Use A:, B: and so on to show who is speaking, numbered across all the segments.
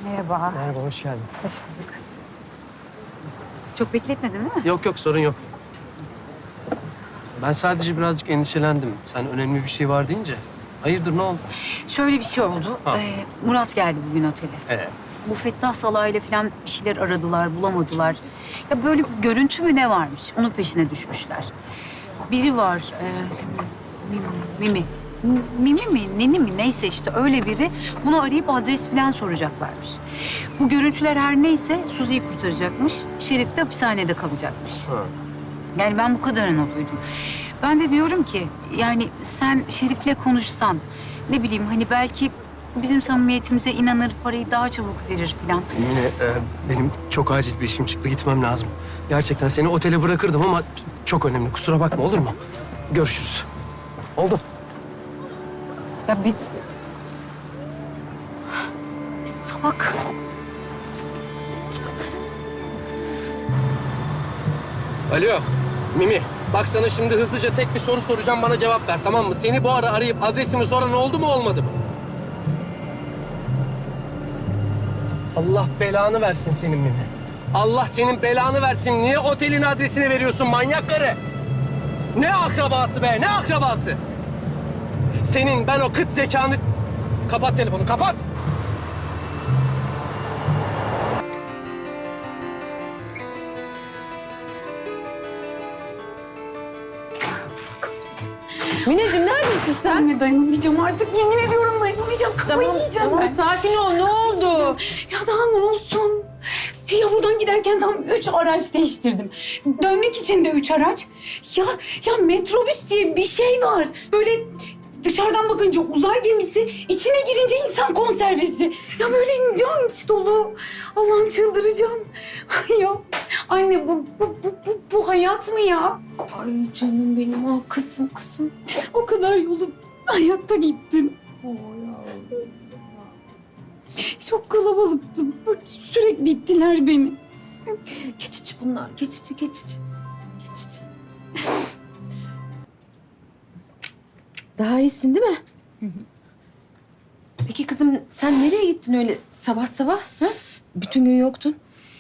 A: Merhaba.
B: Merhaba, hoş geldin.
A: Hoş bulduk. Çok bekletmedin değil mi?
B: Yok yok, sorun yok. Ben sadece birazcık endişelendim. Sen önemli bir şey var deyince. Hayırdır, ne oldu?
A: Şöyle bir şey oldu.
B: Ha.
A: Murat geldi bugün otele. Bu Fettah Salah'yla falan bir şeyler aradılar, bulamadılar. Ya böyle bir görüntü mü ne varmış? Onun peşine düşmüşler. Biri var, Mimi. Mimi mi, Neni mi neyse işte öyle biri. Bunu arayıp adres falan soracaklarmış. Bu görüntüler her neyse Suzi'yi kurtaracakmış. Şerif de hapishanede kalacakmış.
B: Ha.
A: Yani ben bu kadarını duydum. Ben de diyorum ki yani sen Şerif'le konuşsan ne bileyim hani belki bizim samimiyetimize inanır, parayı daha çabuk verir falan.
B: Yine benim çok acil bir işim çıktı, gitmem lazım. Gerçekten seni otele bırakırdım ama çok önemli. Kusura bakma, olur mu? Görüşürüz. Oldu.
A: Ya biz... Salak.
B: Alo, Mimi. Bak sana şimdi hızlıca tek bir soru soracağım, bana cevap ver, tamam mı? Seni bu ara arayıp adresimi soran oldu mu, olmadı mı? Allah belanı versin senin Mimi. Allah senin belanı versin. Niye otelin adresini veriyorsun manyak karı? Ne akrabası be, ne akrabası? Senin ben o kıt zekanı... Kapat telefonu, kapat!
C: Mineciğim neredesin sen?
A: Anne dayanamayacağım artık. Yemin ediyorum dayanamayacağım. Kafayı yiyeceğim
C: Tamam
A: ben.
C: sakin ol ne oldu?
D: Ya daha ne olsun? Ya buradan giderken tam 3 araç değiştirdim. Dönmek için de 3 araç. Ya metrobüs diye bir şey var. Böyle dışarıdan bakınca uzay gemisi, içine girince insan konservesi. Ya böyle can içi dolu. Allah'ım çıldıracağım. Ya anne bu hayat mı ya?
C: Ay canım benim ah kızım.
D: O kadar yolu ayakta gittim. Çok kalabalıktım. Böyle sürekli ittiler beni.
C: Geçici bunlar geçici. Daha iyisin değil mi? Peki kızım sen nereye gittin öyle sabah sabah? Ha? Bütün gün yoktun.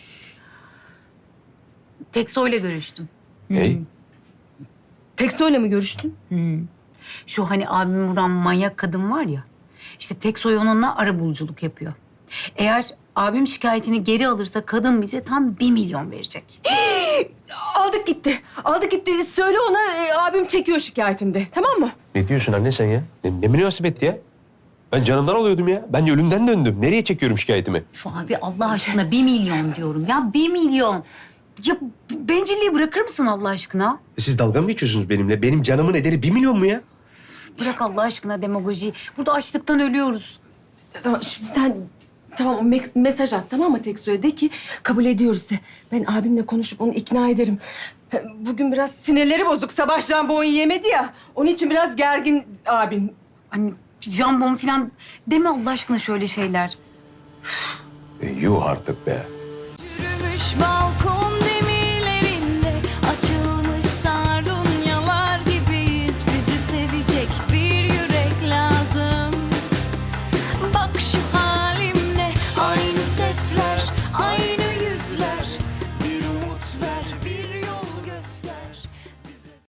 A: Tekso'yla görüştüm.
E: Ney?
C: Tekso'yla mı görüştün?
A: Şu hani abim vuran manyak kadın var ya. İşte Teksoy onunla arabuluculuk yapıyor. Eğer abim şikayetini geri alırsa kadın bize tam 1 milyon verecek.
C: Aldık gitti. Söyle ona abim çekiyor şikayetinde tamam mı?
E: Ne diyorsun anne sen ya? Ne münasebet ya? Ben canımdan oluyordum ya. Ben ölümden döndüm. Nereye çekiyorum şikayetimi?
A: Şu abi Allah aşkına 1 milyon diyorum ya 1 milyon. Ya bencilliği bırakır mısın Allah aşkına?
E: Siz dalga mı geçiyorsunuz benimle? Benim canımın ederi 1 milyon mu ya?
A: Bırak Allah aşkına demagojiyi. Burada açlıktan ölüyoruz.
C: Tamam şimdi sen tamam mesaj at tamam mı Tekso'ya de ki kabul ediyoruz de. Ben abimle konuşup onu ikna ederim. Bugün biraz sinirleri bozuk. Sabah jambon yemedi ya. Onun için biraz gergin abim.
A: Hani jambon falan deme Allah aşkına şöyle şeyler.
E: Yuh artık be.
F: Yürümüş balkon